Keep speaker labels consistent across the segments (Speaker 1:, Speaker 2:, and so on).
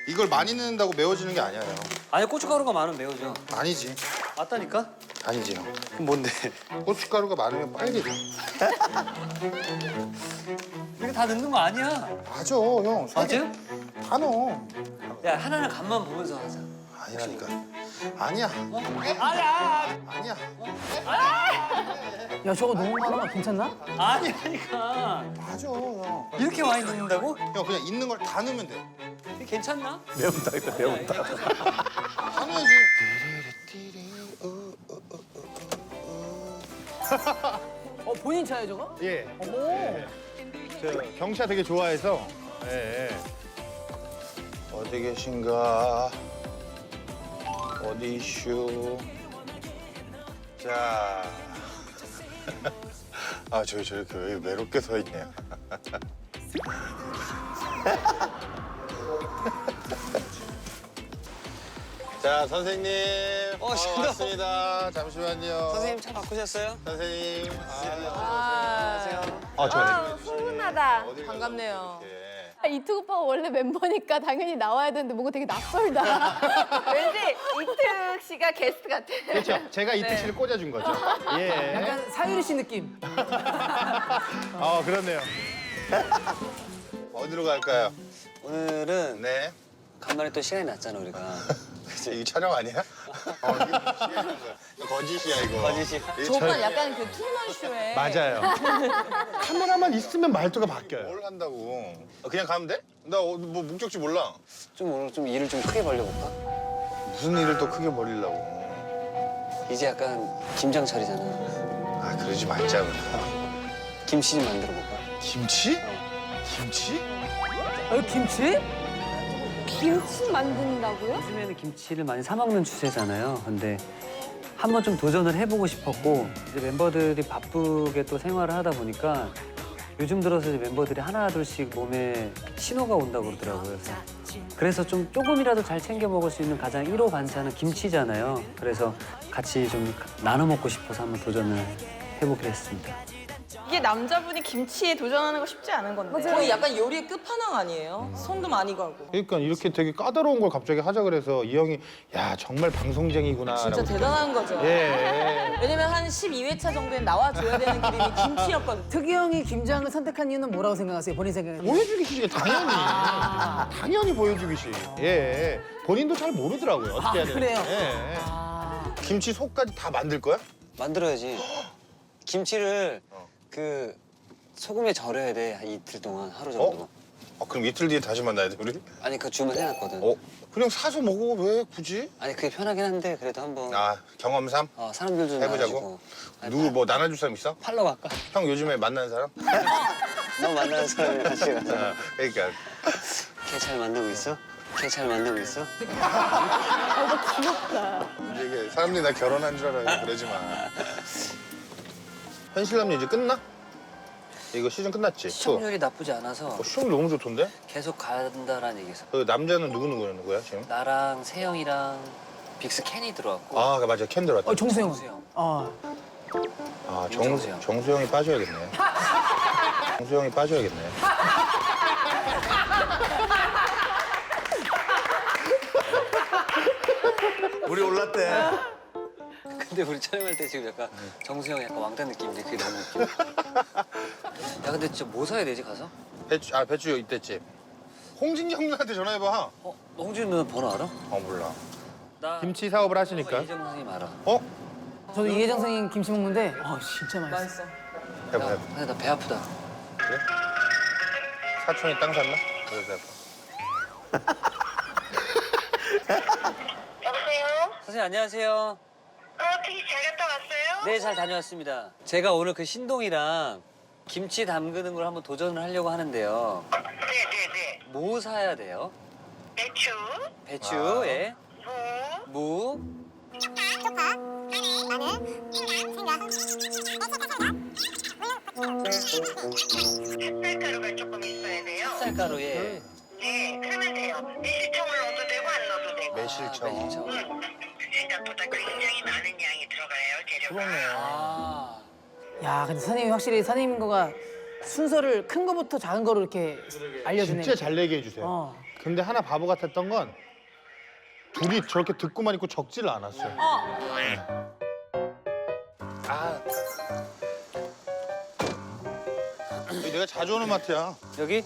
Speaker 1: 이걸 많이 넣는다고 매워지는 게 아니야, 형.
Speaker 2: 아니 고춧가루가 많으면 매워져.
Speaker 1: 아니지.
Speaker 2: 맞다니까?
Speaker 1: 아니지, 형.
Speaker 2: 그럼 뭔데?
Speaker 1: 고춧가루가 많으면 빨개져.
Speaker 2: 이거 다 넣는 거 아니야.
Speaker 1: 맞아, 형.
Speaker 2: 맞아요?
Speaker 1: 다 넣어.
Speaker 2: 야 하나는 간만 보면서 하자.
Speaker 1: 아니라니까. 아니야.
Speaker 2: 아니야.
Speaker 1: 아니야.
Speaker 3: 야 저거 너무 많아. 괜찮나?
Speaker 2: 아니라니까.
Speaker 1: 맞아, 형.
Speaker 2: 이렇게 많이 넣는다고?
Speaker 1: 형, 그냥 있는 걸 다 넣으면 돼.
Speaker 2: 이게 괜찮나?
Speaker 4: 매운다 했다 매운다.
Speaker 1: 다 넣어야지.
Speaker 3: 본인 차야 저거?
Speaker 4: 예.
Speaker 3: 어머.
Speaker 4: 저 경차 되게 좋아해서. 예. 예.
Speaker 1: 어디 계신가? 어디 이슈? 자. 아, 저렇게 왜 외롭게 서 있냐. 자, 선생님.
Speaker 2: 신동.
Speaker 1: 반갑습니다. 잠시만요.
Speaker 2: 선생님 차 바꾸셨어요?
Speaker 1: 선생님.
Speaker 2: 안녕하세요.
Speaker 4: 저
Speaker 5: 훈훈하다.
Speaker 1: 어딜
Speaker 5: 반갑네요.
Speaker 1: 가려고 이렇게.
Speaker 6: 이특 오빠가 원래 멤버니까 당연히 나와야 되는데 뭔가 되게 낯설다.
Speaker 5: 왠지 이특 씨가 게스트 같아.
Speaker 4: 그렇죠. 제가 이특 씨를 꽂아준 거죠. 예.
Speaker 3: 약간 사유리 씨 느낌.
Speaker 4: 그렇네요.
Speaker 1: 어디로 갈까요?
Speaker 2: 오늘은
Speaker 1: 네.
Speaker 2: 간만에 또 시간이 났잖아 우리가.
Speaker 1: 이거 촬영 아니야? 이거 거짓이야, 이거.
Speaker 2: 거짓이야?
Speaker 1: 이거
Speaker 5: 저 오빠 약간 그 투먼 쇼에
Speaker 4: 맞아요. 카메라만 있으면 말투가 바뀌어요.
Speaker 1: 뭘 한다고? 그냥 가면 돼? 나 뭐 목적지 몰라.
Speaker 2: 좀 오늘 좀 일을 좀 크게 벌려볼까?
Speaker 1: 무슨 일을 또 크게 벌이려고.
Speaker 2: 이제 약간 김장철이잖아.
Speaker 1: 아, 그러지 말자, 우리.
Speaker 2: 김치 좀 만들어 볼까?
Speaker 1: 김치? 김치?
Speaker 3: 김치?
Speaker 6: 김치 만든다고요?
Speaker 2: 요즘에는 김치를 많이 사 먹는 추세잖아요. 근데 한번 좀 도전을 해보고 싶었고 이제 멤버들이 바쁘게 또 생활을 하다 보니까 요즘 들어서 이제 멤버들이 하나 둘씩 몸에 신호가 온다고 그러더라고요. 그래서 좀 조금이라도 잘 챙겨 먹을 수 있는 가장 1호 반찬은 김치잖아요. 그래서 같이 좀 나눠 먹고 싶어서 한번 도전을 해보기로 했습니다.
Speaker 7: 이게 남자분이 김치에 도전하는 거 쉽지 않은 건데.
Speaker 5: 거의 약간 요리의 끝판왕 아니에요? 손도 많이 가고.
Speaker 4: 그러니까 이렇게 되게 까다로운 걸 갑자기 하자 그래서 이 형이 야 정말 방송쟁이구나.
Speaker 5: 진짜
Speaker 4: 라고
Speaker 5: 대단한 거죠.
Speaker 4: 예.
Speaker 5: 왜냐면 한 12회차 정도엔 나와줘야 되는 그림이 김치였거든요.
Speaker 3: 특이 형이 김장을 선택한 이유는 뭐라고 생각하세요? 본인 생각에?
Speaker 4: 보여주기 시죠 당연히. 당연히 보여주기 시. 예. 본인도 잘 모르더라고요. 어떻게 해야 되는지.
Speaker 3: 그래요?
Speaker 4: 예.
Speaker 1: 김치 속까지 다 만들 거야?
Speaker 2: 만들어야지. 김치를 그 소금에 절여야 돼. 한 이틀 동안 하루 정도.
Speaker 1: 그럼 이틀 뒤에 다시 만나야 돼, 우리?
Speaker 2: 아니 그 주문해놨거든.
Speaker 1: 그냥 사서 먹어, 왜 굳이?
Speaker 2: 아니 그게 편하긴 한데 그래도 한번
Speaker 1: 아, 경험삼?
Speaker 2: 사람들 좀
Speaker 1: 해보자고?
Speaker 2: 나와주고. 아니,
Speaker 1: 누구 뭐 나눠줄 사람 있어?
Speaker 2: 팔러 갈까?
Speaker 1: 형 요즘에 만나는 사람?
Speaker 2: 너 만나는 사람이랑 같이 가서.
Speaker 1: 그러니까.
Speaker 2: 걔 잘 만나고 있어? 걔 잘 만나고 있어?
Speaker 1: 이게 사람들이 나 결혼한 줄 알아요. 그러지 마. 현실남녀 이제 끝나? 이거 시즌 끝났지?
Speaker 2: 시청률이 나쁘지 않아서
Speaker 1: 시청률 너무 좋던데?
Speaker 2: 계속 간다라는 얘기했어.
Speaker 1: 그 남자는 누구야 지금?
Speaker 2: 나랑 세영이랑 빅스 캔이 들어왔고.
Speaker 1: 아, 맞아. 캔 들어왔다.
Speaker 3: 정수영.
Speaker 2: 정수영.
Speaker 1: 아,
Speaker 2: 정수영.
Speaker 1: 정수영이 빠져야겠네. 정수영이 빠져야겠네.
Speaker 4: 우리 올랐대.
Speaker 2: 근데 우리 촬영할 때 지금 약간 정수영 약간 왕따 느낌인데 그게 너무 웃겨. 야 근데 진짜 뭐 사야 되지 가서?
Speaker 1: 배추 이때집. 홍진경 누나한테 전화해봐.
Speaker 2: 홍준 누나 번호 알아?
Speaker 1: 몰라.
Speaker 2: 나
Speaker 4: 김치 사업을 하시니까.
Speaker 2: 이재명 선생님 알아.
Speaker 3: 저도 이혜정 선생님 김치 먹는데 진짜 맛있어.
Speaker 5: 맛있어.
Speaker 1: 해봐.
Speaker 2: 근데 나 배 아프다.
Speaker 1: 그래? 사촌이 땅 샀나? 그래서 해봐.
Speaker 8: 여보세요?
Speaker 2: 선생님 안녕하세요.
Speaker 8: 어떻게 잘 갔다 왔어요?
Speaker 2: 네 잘 다녀왔습니다. 제가 오늘 그 신동이랑 김치 담그는 걸 한번 도전을 하려고 하는데요.
Speaker 8: 네네네.
Speaker 2: 뭐 사야 돼요?
Speaker 8: 배추,
Speaker 2: 배추, 예.
Speaker 8: 무,
Speaker 2: 무,
Speaker 8: 햇살가루가 조금 있어야 돼요.
Speaker 2: 쌀가루, 예.
Speaker 8: 네, 그러면 돼요. 매실청을 넣어도 되고 안 넣어도 되고.
Speaker 1: 매실청.
Speaker 2: 매실청.
Speaker 8: 생각보다 굉장히 많은 양이 들어가요, 재료가.
Speaker 2: 아,
Speaker 3: 야 근데 선생님이 확실히 선생님인 거가 순서를 큰 거부터 작은 거로 이렇게 알려주네.
Speaker 4: 진짜 잘 내게 해주세요. 근데 하나 바보 같았던 건 둘이 저렇게 듣고만 있고 적지를 않았어요.
Speaker 1: 여기 내가 자주 오는 마트야.
Speaker 2: 여기?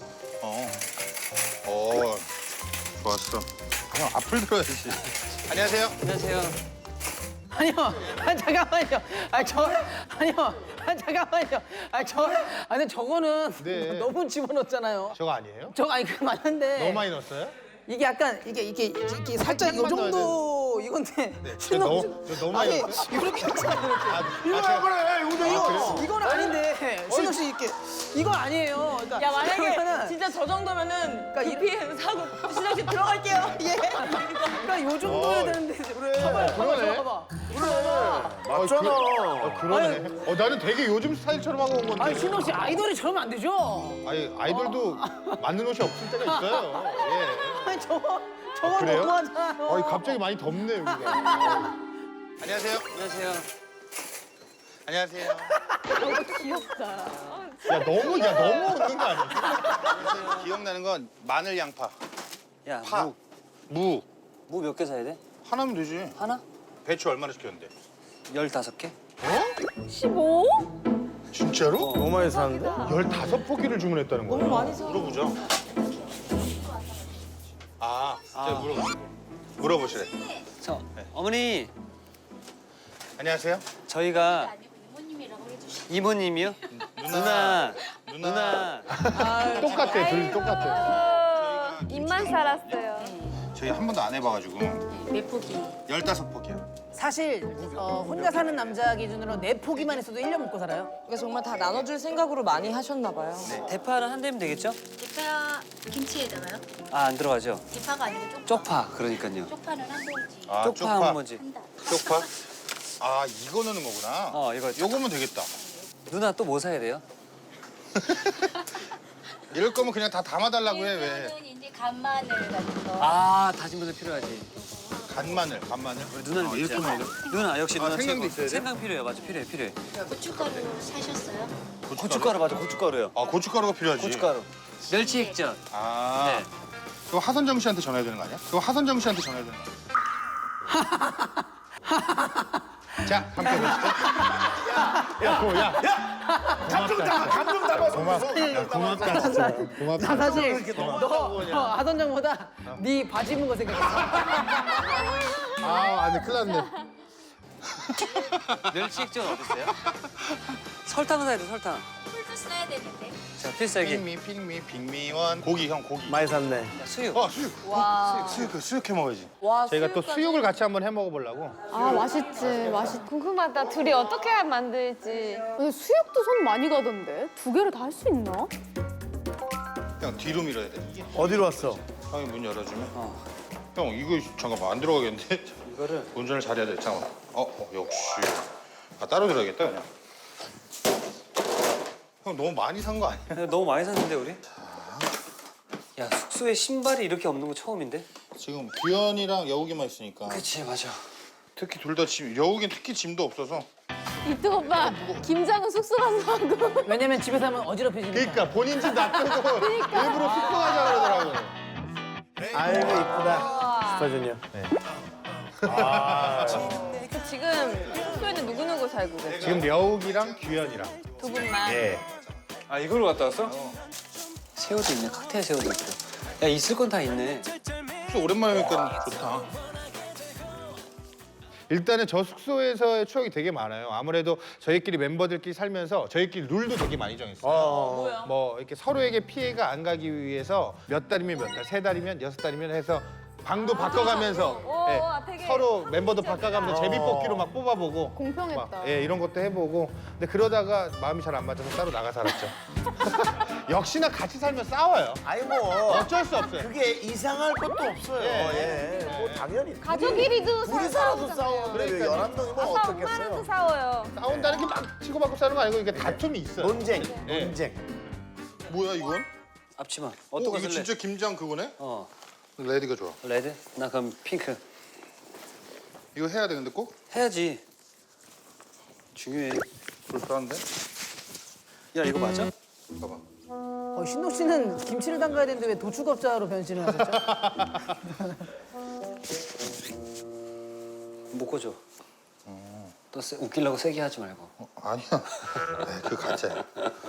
Speaker 1: 좋았어. 형 앞을 들어야지. 안녕하세요.
Speaker 2: 안녕하세요.
Speaker 3: 아니요. 잠깐만요. 아니요. 잠깐만요. 아니 저거는
Speaker 4: 네.
Speaker 3: 너무 집어넣었잖아요.
Speaker 4: 저거 아니에요?
Speaker 3: 아니 그거 맞는데.
Speaker 4: 너무 많이 넣었어요?
Speaker 3: 이게 약간 이게 살짝 요 정도 이건데 신동
Speaker 4: 너무 많이
Speaker 3: 아니
Speaker 4: 넣었어요?
Speaker 3: 이렇게 했잖아요. 이렇게.
Speaker 4: 제가-
Speaker 3: 그래 이거는 아닌데 신동 씨 이렇게 이거 아니에요. 그러니까
Speaker 7: 야 만약에
Speaker 3: 그러면은
Speaker 7: 진짜 저 정도면은
Speaker 3: 그러니까
Speaker 7: 급히 사고 신정 씨 들어갈게요. 예.
Speaker 3: 그러니까 요 정도여야 되는데. 그래.
Speaker 4: 그러네.
Speaker 3: 봐봐.
Speaker 4: 맞잖아. 그러네. 나는 되게 요즘 스타일처럼 하고 온 건데.
Speaker 3: 아니 신동 씨 아이돌이 저러면 안 되죠.
Speaker 4: 아니, 아이돌도 맞는 옷이 없을 때가 있어요. 예.
Speaker 3: 아니 저거
Speaker 4: 그래요?
Speaker 3: 너무 하잖아요.
Speaker 4: 아니, 갑자기 많이 덥네, 여기가.
Speaker 1: 안녕하세요.
Speaker 2: 안녕하세요.
Speaker 1: 안녕하세요.
Speaker 6: 귀엽다.
Speaker 4: 너무 웃는 거 아니야?
Speaker 1: 기억나는 건 마늘 양파,
Speaker 2: 야,
Speaker 1: 파, 무.
Speaker 2: 무 몇 개 사야 돼?
Speaker 1: 하나면 되지.
Speaker 2: 하나?
Speaker 1: 배추 얼마나 시켰는데?
Speaker 2: 15개?
Speaker 6: 15?
Speaker 1: 진짜로?
Speaker 4: 너무 많이 사는데? 15포기를 주문했다는 거야.
Speaker 7: 너무 많이 사.
Speaker 1: 물어보죠. 제가 물어보시래.
Speaker 2: 저, 어머니,
Speaker 1: 안녕하세요.
Speaker 2: 저희가 이모님이요? 누나.
Speaker 4: 똑같아, 둘이 똑같아.
Speaker 6: 입만 살았어요.
Speaker 1: 저희 한 번도 안 해봐가지고.
Speaker 6: 몇 포기?
Speaker 1: 15포기요.
Speaker 3: 사실 혼자 사는 남자 기준으로 4포기만 했어도 1년 먹고 살아요.
Speaker 7: 그러니까 정말 다 나눠줄 생각으로 많이 하셨나 봐요.
Speaker 2: 대파는 한 대면 되겠죠?
Speaker 9: 대파 김치에다가요?
Speaker 2: 아, 안 들어가죠?
Speaker 9: 대파가 아니고 쪽파.
Speaker 2: 쪽파, 그러니까요.
Speaker 9: 쪽파는 한 봉지.
Speaker 2: 쪽파 한 번지.
Speaker 1: 쪽파? 이거 넣는 거구나.
Speaker 2: 이거.
Speaker 1: 요거면 되겠다.
Speaker 2: 누나 또 뭐 사야 돼요?
Speaker 1: 이럴 거면 그냥 다 담아달라고 해, 왜.
Speaker 9: 이거는 이제 간마늘 같은 거.
Speaker 2: 다진 마늘 필요하지.
Speaker 1: 간마늘.
Speaker 2: 우리 누나는
Speaker 1: 이렇게
Speaker 2: 있잖아.
Speaker 1: 먹어요?
Speaker 2: 누나 역시 누나
Speaker 1: 생강도
Speaker 2: 최고.
Speaker 1: 있어야 돼?
Speaker 2: 생강 필요해요. 맞아, 필요해.
Speaker 9: 고춧가루 사셨어요?
Speaker 2: 고춧가루 맞아, 고춧가루요.
Speaker 1: 고춧가루가 필요하지.
Speaker 2: 고춧가루. 멸치 액젓.
Speaker 1: 네. 그거 하선정 씨한테 전화해야 되는 거 아니야?
Speaker 4: 자, 함께 보시죠. 감정 담아. 고맙다, 진짜. 고맙다.
Speaker 3: 나 사실 너 하선장보다 네 바지 입은 거 생각했어.
Speaker 4: 아니, 큰일 났네.
Speaker 2: 멸치 액젓 어디 있어요? 설탕 사야 돼, 설탕.
Speaker 9: 풀도 써야 되는데.
Speaker 2: 자, 필살기.
Speaker 1: 빅미원. 고기, 형, 고기.
Speaker 4: 많이 샀네.
Speaker 2: 야, 수육.
Speaker 1: 수육.
Speaker 5: 와.
Speaker 1: 수육 해 먹어야지.
Speaker 5: 와,
Speaker 4: 저희가 또
Speaker 5: 수육까지.
Speaker 4: 수육을 같이 한번 해 먹어보려고.
Speaker 6: 맛있지.
Speaker 10: 궁금하다. 둘이 어떻게 만들지.
Speaker 6: 근데 수육도 손 많이 가던데? 2개를 다 할 수 있나?
Speaker 1: 형, 뒤로 밀어야 돼.
Speaker 4: 어디로 왔어?
Speaker 1: 형이 문 열어주면. 형, 이거 잠깐만 안 들어가겠는데?
Speaker 2: 이거를
Speaker 1: 운전을 잘해야 돼. 잠깐만. 역시. 따로 들어야겠다, 그냥. 형, 너무 많이 산 거 아니야?
Speaker 2: 너무 많이 샀는데 우리? 야, 숙소에 신발이 이렇게 없는 거 처음인데?
Speaker 1: 지금 규현이랑 여우기만 있으니까.
Speaker 2: 그치, 맞아.
Speaker 1: 특히 둘 다 짐, 여우기는 특히 짐도 없어서.
Speaker 6: 이특 오빠, 김장은 숙소 가서 하고.
Speaker 3: 왜냐면 집에서 하면 어지럽혀지니까.
Speaker 4: 그러니까 본인 집 놔두고 일부러 숙소 가자 그러더라고. 아이고, 이쁘다. 슈퍼주니어.
Speaker 10: 지금 숙소에는 누구누구 살고 계세요?
Speaker 4: 지금 려욱이랑 규현이랑.
Speaker 10: 두 분만.
Speaker 4: 예.
Speaker 2: 이걸로 갔다 왔어? 새우도 있네, 칵테일 새우도 있고. 야, 있을 건 다 있네.
Speaker 1: 숙소 오랜만에 오니까 좋다.
Speaker 4: 일단은 저 숙소에서의 추억이 되게 많아요. 아무래도 저희끼리 멤버들끼리 살면서 저희끼리 룰도 되게 많이 정했어요. 뭐 이렇게 서로에게 피해가 안 가기 위해서 몇 달이면 몇 달, 3달이면 6달이면 해서 방도 바꿔가면서
Speaker 10: 되게
Speaker 4: 서로 멤버도 바꿔가면서 제비뽑기로 막 뽑아보고
Speaker 6: 공평했다.
Speaker 4: 막, 이런 것도 해보고 근데 그러다가 마음이 잘 안 맞아서 따로 나가 살았죠. 역시나 같이 살면 싸워요.
Speaker 11: 아니 뭐
Speaker 4: 어쩔 수 없어요.
Speaker 11: 그게 이상할 것도 없어요.
Speaker 4: 예.
Speaker 11: 뭐 당연히
Speaker 6: 가족끼리도
Speaker 11: 둘이 살아도 싸우는데 왜
Speaker 4: 그러니까요.
Speaker 11: 11명이 뭐
Speaker 10: 엄마랑도
Speaker 11: 어떻겠어요?
Speaker 10: 싸워요.
Speaker 4: 싸운다는 게 막 치고받고 싸는 거 아니고 이게 다툼이 있어요.
Speaker 11: 논쟁,
Speaker 4: 예.
Speaker 11: 논쟁.
Speaker 1: 뭐야, 이건?
Speaker 2: 앞치마. 어떤 거
Speaker 1: 이거
Speaker 2: 쓸래?
Speaker 1: 진짜 김장 그거네? 레드가 좋아.
Speaker 2: 레드? 나 그럼 핑크.
Speaker 1: 이거 해야 돼, 근데 꼭?
Speaker 2: 해야지. 중요해.
Speaker 1: 불편한데?
Speaker 2: 야, 이거 맞아?
Speaker 1: 봐봐.
Speaker 3: 신동 씨는 김치를 담가야 되는데 왜 도축업자로 변신을 하셨죠?
Speaker 2: 묶어줘. 또 웃기려고 세게 하지 말고.
Speaker 1: 아니야. 에이, 그 가짜야.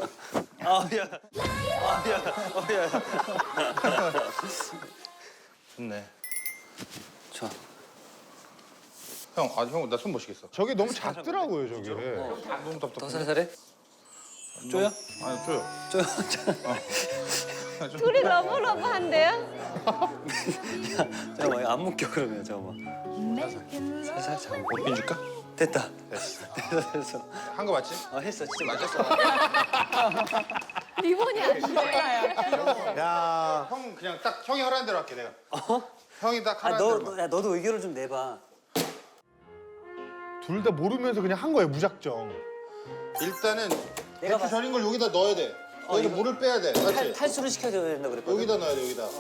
Speaker 1: 좋네.
Speaker 2: 좋아.
Speaker 1: 형, 나 손 못 쉬겠어.
Speaker 4: 저게 너무 작더라고요, 저게.
Speaker 1: 너무
Speaker 2: 더
Speaker 1: 답답해.
Speaker 2: 살살해? 쪼여?
Speaker 1: 아니, 줘요.
Speaker 2: 쪼여.
Speaker 10: 둘이 러브러브한데요?
Speaker 2: 잠깐만, 안 묶여 그러면 잠깐만. 살살 잠깐.
Speaker 1: 옷핀 줄까?
Speaker 2: 됐다.
Speaker 1: 됐어.
Speaker 2: 됐어.
Speaker 1: 한 거 맞지?
Speaker 2: 했어. 진짜
Speaker 1: 맞았어.
Speaker 6: 리본이 안 돼.
Speaker 1: 야, 형 그냥 딱 형이 하라는 대로 할게 내가. 형이 딱 하라는 대로.
Speaker 2: 너도 의견을 좀 내봐.
Speaker 4: 둘 다 모르면서 그냥 한 거예요, 무작정.
Speaker 1: 일단은
Speaker 2: 내가
Speaker 1: 배추 절인 걸 여기다 넣어야 돼. 여기다 물을 빼야 돼. 맞지?
Speaker 2: 탈수를 시켜줘야 된다 그랬거든.
Speaker 1: 여기다 넣어야 돼, 여기다.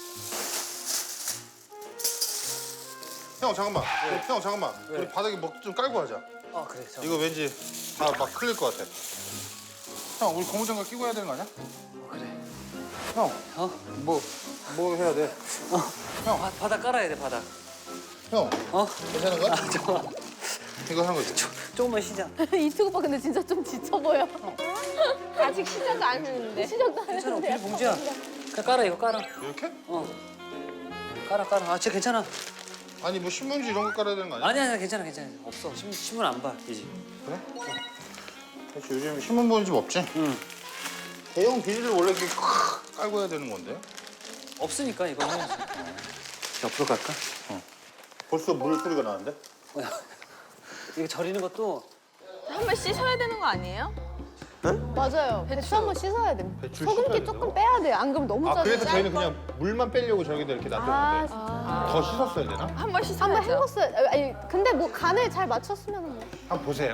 Speaker 1: 형 잠깐만. 형 잠깐만. 우리 바닥에 먹 좀 깔고 하자.
Speaker 2: 그래.
Speaker 1: 이거 왠지 다 막 흘릴 것 같아. 형, 우리 고무장갑 끼고 해야 되는 거 아니야?
Speaker 2: 그래.
Speaker 1: 형, 뭐 해야 돼?
Speaker 2: 바닥 깔아야 돼, 바닥.
Speaker 1: 형, 괜찮은 거야?
Speaker 2: 잠깐만.
Speaker 1: 이거 하는 거지?
Speaker 2: 조금만 쉬자.
Speaker 6: 이특 오빠 근데 진짜 좀 지쳐 보여.
Speaker 10: 아직 시작도 안 했는데.
Speaker 6: 시작도 안
Speaker 2: 괜찮아,
Speaker 6: 했는데.
Speaker 2: 비닐 봉지야. 그냥 깔아, 이거 깔아.
Speaker 1: 이렇게?
Speaker 2: 깔아. 진짜 괜찮아.
Speaker 1: 아니 뭐 신문지 이런 거 깔아야 되는 거 아니야?
Speaker 2: 아니야, 괜찮아. 없어. 신문 안 봐, 이제.
Speaker 1: 그래? 그렇지, 요즘 신문 보는 집 없지?
Speaker 2: 응.
Speaker 1: 대형 비닐을 원래 이렇게 깔고 해야 되는 건데.
Speaker 2: 없으니까 이거는. 옆으로 갈까?
Speaker 1: 벌써 물 소리가 나는데?
Speaker 2: 이거 절이는 것도
Speaker 10: 한 번 씻어야 되는 거 아니에요?
Speaker 6: 맞아요. 배추 한번 씻어야 돼.
Speaker 4: 배추
Speaker 6: 소금기
Speaker 4: 씻어야
Speaker 6: 조금
Speaker 4: 돼요?
Speaker 6: 빼야 돼. 안 그러면 너무 짜져.
Speaker 4: 그래서 저희는 그냥 물만 빼려고 저기다 이렇게 놔뒀는데 더 씻었어야 되나?
Speaker 10: 한 번 씻어야죠.
Speaker 6: 한번 해봤어요. 아니 근데 뭐 간을 잘 맞췄으면 뭐.
Speaker 4: 한번 보세요.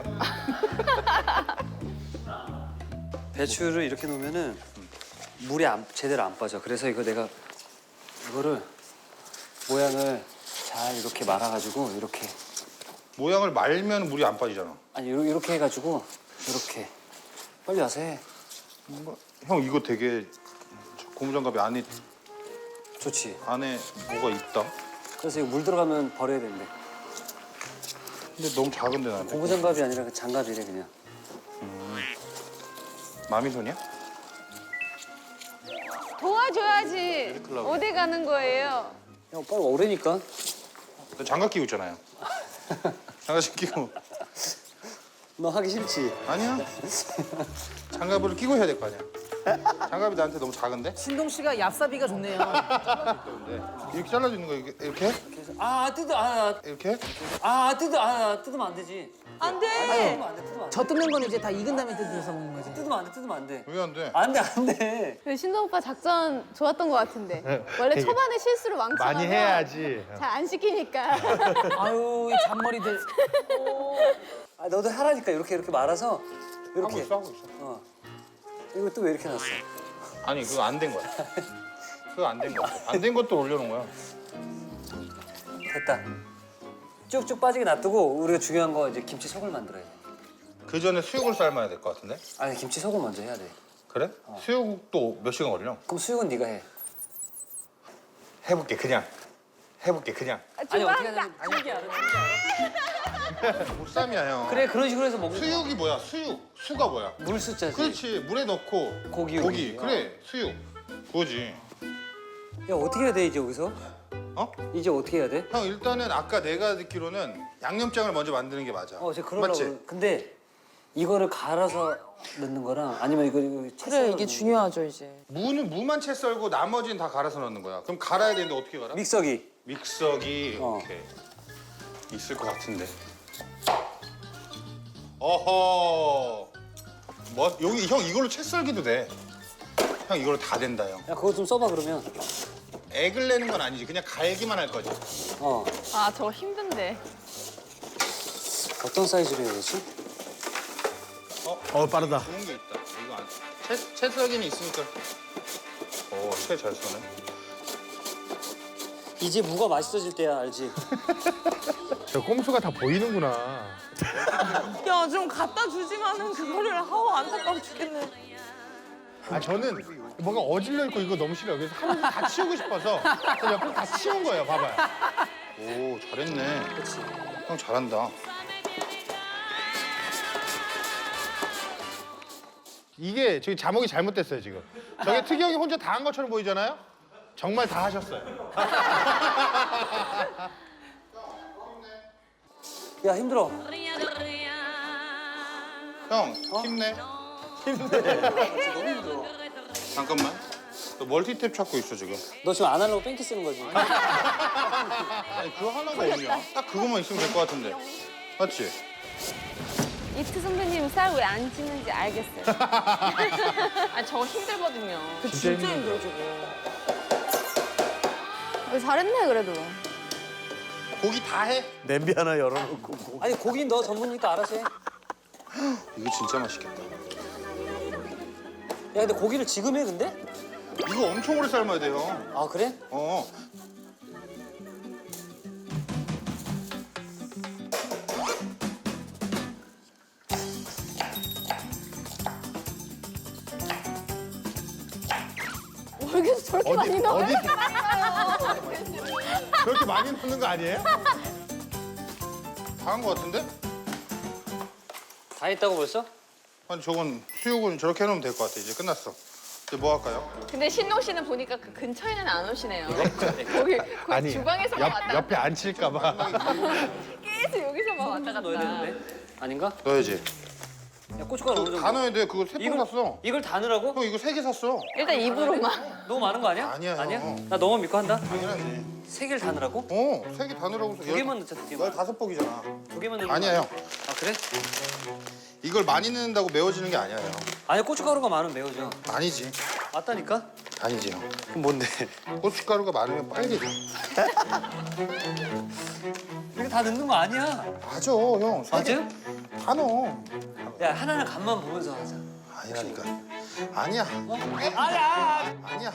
Speaker 2: 배추를 이렇게 놓으면은 물이 제대로 안 빠져. 그래서 이거를 모양을 잘 이렇게 말아가지고 이렇게
Speaker 1: 모양을 말면 물이 안 빠지잖아.
Speaker 2: 아니 이렇게 해가지고 이렇게 빨리 와서 해.
Speaker 1: 형 이거 되게 고무장갑이
Speaker 2: 좋지.
Speaker 1: 안에 뭐가 있다.
Speaker 2: 그래서 이거 물 들어가면 버려야 된대.
Speaker 1: 근데 너무 작은데 나한테.
Speaker 2: 고무장갑이 아니라 그 장갑이래 그냥.
Speaker 1: 마미손이야?
Speaker 10: 도와줘야지. 어디 가는 거예요?
Speaker 2: 야 빨리 오래니까.
Speaker 1: 너 장갑 끼고 있잖아요. 장갑 끼고.
Speaker 2: 너 하기 싫지?
Speaker 1: 아니야. 장갑을 끼고 해야 될 거 아니야. 장갑이 나한테 너무 작은데?
Speaker 3: 신동 씨가 얍삽이가 좋네요.
Speaker 1: 이렇게 잘라주는 거야 이렇게?
Speaker 2: 이렇게? 뜯으면 안 되지.
Speaker 10: 안 돼.
Speaker 2: 뜯으면 안 돼.
Speaker 3: 저 뜯는 건 이제 다 익은 다음에 뜯어서 먹는 거지.
Speaker 2: 뜯으면 안 돼.
Speaker 1: 왜 안 돼?
Speaker 2: 안 돼.
Speaker 6: 근데 신동 오빠 작전 좋았던 것 같은데. 원래
Speaker 4: 되게
Speaker 6: 초반에 실수를 왕창
Speaker 4: 많이
Speaker 6: 하면
Speaker 4: 해야지.
Speaker 6: 잘 안 시키니까.
Speaker 3: 아유, 이 잔머리들.
Speaker 2: 너도 하라니까 이렇게 말아서
Speaker 1: 하고
Speaker 2: 이렇게.
Speaker 1: 있어 하고 있어.
Speaker 2: 이거 또 왜 이렇게 놨어?
Speaker 1: 아니 그거 안 된 거야. 그거 안 된 거야. 안 된 것도 올려놓은 거야.
Speaker 2: 됐다. 쭉쭉 빠지게 놔두고 우리가 중요한 거 이제 김치 속을 만들어야 돼.
Speaker 1: 그 전에 수육을 삶아야 될 것 같은데?
Speaker 2: 아니 김치 속을 먼저 해야 돼.
Speaker 1: 그래? 수육도 몇 시간 걸려?
Speaker 2: 그럼 수육은 네가 해.
Speaker 1: 해볼게 그냥. 해볼게 그냥.
Speaker 2: 아니 어떻게 하냐면
Speaker 1: 보쌈이야 형.
Speaker 2: 그래 그런 식으로 해서 먹는 거야.
Speaker 1: 수육이 뭐야? 수가 뭐야?
Speaker 2: 물 숫자지.
Speaker 1: 그렇지. 물에 넣고
Speaker 2: 고기.
Speaker 1: 그래 수육. 그거지.
Speaker 2: 야 어떻게 해야 돼 이제 여기서?
Speaker 1: 어?
Speaker 2: 이제 어떻게 해야 돼?
Speaker 1: 형 일단은 아까 내가 듣기로는 양념장을 먼저 만드는 게 맞아.
Speaker 2: 제가 그러려고.
Speaker 1: 맞지?
Speaker 2: 근데 이거를 갈아서 넣는 거랑 아니면 이거 채
Speaker 5: 그래 이게 중요하죠 이제.
Speaker 1: 무만 채 썰고 나머지는 다 갈아서 넣는 거야. 그럼 갈아야 되는데 어떻게 갈아?
Speaker 2: 믹서기.
Speaker 1: 믹서기 오케이. 있을 것 같은데. 어허. 뭐 여기 형 이걸로 채 썰기도 돼. 형 이걸로 다 된다 형.
Speaker 2: 야 그거 좀 써봐 그러면.
Speaker 1: 액을 내는 건 아니지. 그냥 갈기만 할 거지.
Speaker 10: 아 저거 힘든데.
Speaker 2: 어떤 사이즈로 해야 되지?
Speaker 4: 빠르다.
Speaker 1: 좋은 게 있다. 이거 안. 채 썰기는 있으니까. 채 잘 써네.
Speaker 2: 이제 무가 맛있어질 때야 알지?
Speaker 4: 저 꼼수가 다 보이는구나.
Speaker 5: 야 좀 갖다 주지만은 그거를 하고 안타까워 죽겠네.
Speaker 4: 저는 뭔가 어질러 있고 이거 너무 싫어요. 그래서 하면서 다 치우고 싶어서 그래서 옆에서 다 치운 거예요. 봐봐요.
Speaker 1: 오, 잘했네. 그렇지. 형 잘한다.
Speaker 4: 이게 저기 자목이 잘못됐어요 지금. 저게 특이 형이 혼자 다 한 것처럼 보이잖아요. 정말 다 하셨어요.
Speaker 2: 야 힘들어.
Speaker 1: 형, 힘내.
Speaker 2: 너무 힘들어.
Speaker 1: 잠깐만. 너 멀티탭 찾고 있어, 지금.
Speaker 2: 너 지금 안 하려고 뺑기 쓰는 거지?
Speaker 1: 아니, 그거 하나가 없냐? 딱 그것만 있으면 될 것 같은데. 맞지?
Speaker 10: 이트 선배님 쌀 왜 안 찌는지 알겠어요.
Speaker 7: 아 저거 힘들거든요.
Speaker 3: 그 진짜 힘들어 저거.
Speaker 6: 잘했네 그래도.
Speaker 1: 고기 다 해?
Speaker 11: 냄비 하나 열어놓고.
Speaker 2: 아니 고기는 너 전문이니까 알아서 해. 야
Speaker 1: 이거 진짜 맛있겠다.
Speaker 2: 근데 고기를 지금 해 근데?
Speaker 1: 이거 엄청 오래 삶아야 돼요.
Speaker 2: 아 그래?
Speaker 1: 어.
Speaker 6: 왜 이렇게 저렇게 많이 넣어?
Speaker 4: 어디 그렇게 많이 넣는 거 아니에요?
Speaker 1: 다 한 것 같은데?
Speaker 2: 다 했다고 벌써?
Speaker 1: 아니, 저건 수육은 저렇게 해놓으면 될 것 같아. 이제 끝났어. 이제 뭐 할까요?
Speaker 7: 근데 신동 씨는 보니까 그 근처에는 안 오시네요. 거기
Speaker 4: 아니
Speaker 7: 주방에서만 왔다 갔다.
Speaker 4: 옆에 앉힐까 봐.
Speaker 7: 계속 여기서만 왔다 갔다.
Speaker 2: 넣어야 되는데? 아닌가?
Speaker 1: 넣어야지.
Speaker 2: 야 고춧가루 어느 정도?
Speaker 1: 다 넣어야 돼. 그거 세 통 샀어.
Speaker 2: 이걸 다 넣으라고?
Speaker 1: 형, 이거 3개 샀어.
Speaker 7: 일단 입으로만.
Speaker 2: 너무 많은 거 아니야?
Speaker 1: 아니야,
Speaker 2: 아니야?
Speaker 1: 형.
Speaker 2: 나 너만 믿고 한다.
Speaker 1: 당연하지.
Speaker 2: 3개를 다 넣으라고?
Speaker 1: 3개 다 넣으라고 해서
Speaker 2: 2개만 넣자 2개만.
Speaker 1: 15폭이잖아.
Speaker 2: 2개만 넣으면
Speaker 1: 아니야, 형.
Speaker 2: 아 그래?
Speaker 1: 이걸 많이 넣는다고 매워지는 게 아니야, 형.
Speaker 2: 아니 고춧가루가 많으면 매워져.
Speaker 1: 아니지.
Speaker 2: 맞다니까?
Speaker 1: 아니지, 형.
Speaker 2: 그럼 뭔데?
Speaker 1: 고춧가루가 많으면 빨개져.
Speaker 2: 이거 다 넣는 거 아니야.
Speaker 1: 맞아, 형.
Speaker 2: 맞아요?
Speaker 1: 다 넣어.
Speaker 2: 야 하나는 간만 보면서 하자.
Speaker 1: 아니라니까. 아니야.
Speaker 2: 아니야.
Speaker 1: 아니야.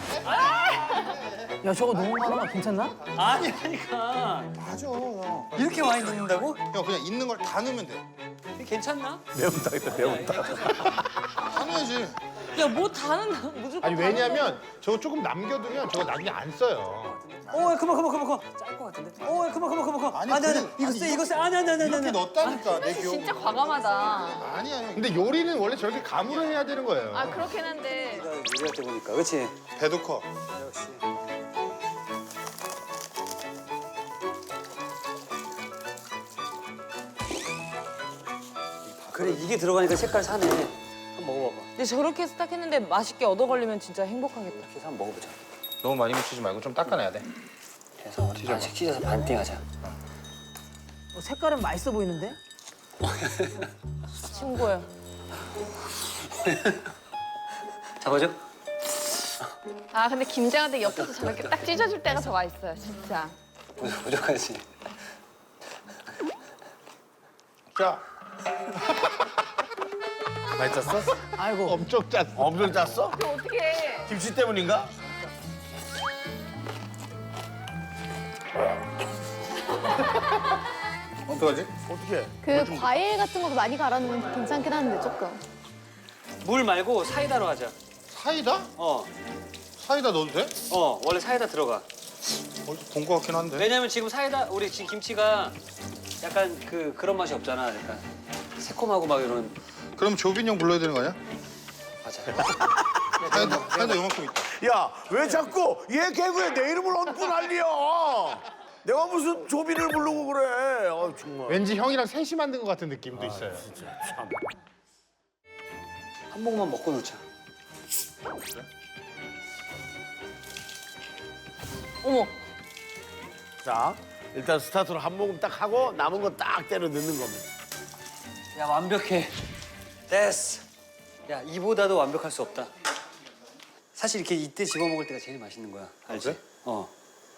Speaker 3: 야 저거 너무 많아. 괜찮나?
Speaker 2: 아니라니까.
Speaker 1: 맞아, 형.
Speaker 2: 이렇게 많이 넣는다고?
Speaker 1: 형, 그냥 있는 걸 다 넣으면 돼.
Speaker 2: 이게 괜찮나?
Speaker 11: 매운탕이다 매운탕.
Speaker 1: 다 넣어야지.
Speaker 7: 야뭐 다는 무조건.
Speaker 4: 아니 왜냐면 저거 조금 남겨두면 저거 나중에 안 써요.
Speaker 2: 야, 그만. 짤 것 같은데? 야, 그만.
Speaker 1: 아니,
Speaker 2: 아니,
Speaker 1: 그냥-
Speaker 2: 이거
Speaker 1: 아니,
Speaker 2: 쎄, 이거 쎄. 아니.
Speaker 1: 이렇게 넣었다니까, 내 기억.
Speaker 7: 진짜 과감하다.
Speaker 1: 아니야, 형.
Speaker 4: 근데 요리는 원래 저렇게 감으로 해야 되는 거예요.
Speaker 7: 아 그렇긴 한데.
Speaker 2: 요리할 때 보니까, 그렇지?
Speaker 1: 배도 커.
Speaker 2: 역시. 그래, 이게 들어가니까 색깔 사네. 한번 먹어봐봐.
Speaker 5: 근데 저렇게 해서 딱 했는데 맛있게 얻어 걸리면 진짜 행복하겠다.
Speaker 2: 이렇게 해서 한번 먹어보자.
Speaker 1: 너무 많이 묻히지 말고 좀 닦아내야 돼.
Speaker 2: 그래서 반씩 찢어서 반띵하자.
Speaker 3: 색깔은 맛있어 보이는데?
Speaker 5: 친구야.
Speaker 2: 잡아줘?
Speaker 7: 아 근데 김장한테 옆에서 저렇게 딱 찢어줄 때가 더 맛있어요, 진짜.
Speaker 2: 부족하지.
Speaker 1: 자,
Speaker 11: 많이 짰어?
Speaker 3: 아이고.
Speaker 4: 엄청 짰어.
Speaker 11: 엄청 짰어?
Speaker 7: 그럼 어떻게 해?
Speaker 11: 김치 때문인가?
Speaker 1: 어떡하지?
Speaker 11: 어떻게?
Speaker 6: 그 과일 같은 거 많이 갈아 넣으면 괜찮긴 한데 조금.
Speaker 2: 물 말고 사이다로 하자.
Speaker 1: 사이다?
Speaker 2: 어,
Speaker 1: 사이다 넣어도 돼?
Speaker 2: 원래 사이다 들어가.
Speaker 1: 어디서 본 것 같긴 한데.
Speaker 2: 왜냐면 지금 사이다, 우리 지금 김치가 약간 그런 맛이 없잖아. 약간 새콤하고 막 이런.
Speaker 1: 그럼 조빈 형 불러야 되는 거 아니야?
Speaker 2: 맞아.
Speaker 1: 사이다 요만큼 있다.
Speaker 11: 야, 왜 자꾸 얘 개그에 내 이름을 얹고 난리야? 내가 무슨 조비를 부르고 그래? 정말.
Speaker 4: 왠지 형이랑 셋이 만든 것 같은 느낌도 있어요.
Speaker 2: 한 모금만 먹고 놓자.
Speaker 5: 어머.
Speaker 11: 자, 일단 스타트로 한 모금 딱 하고 남은 거 딱 때려 넣는 겁니다.
Speaker 2: 야, 완벽해. 됐어. 야, 이보다도 완벽할 수 없다. 사실 이렇게 이때 집어 먹을 때가 제일 맛있는 거야. 알지?
Speaker 1: 그래?
Speaker 2: 어.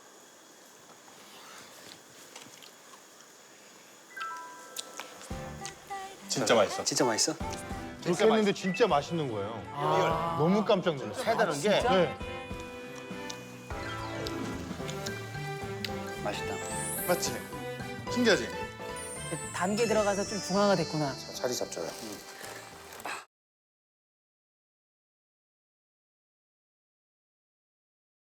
Speaker 1: 진짜 맛있어.
Speaker 2: 진짜 맛있어?
Speaker 4: 그렇게 했는데 진짜 맛있는 거예요. 너무 깜짝 놀랐어요.
Speaker 11: 세다는 게
Speaker 4: 네.
Speaker 2: 맛있다.
Speaker 1: 맞지? 신기하지?
Speaker 3: 단계 들어가서 좀 중화가 됐구나.
Speaker 1: 자리 잡자요.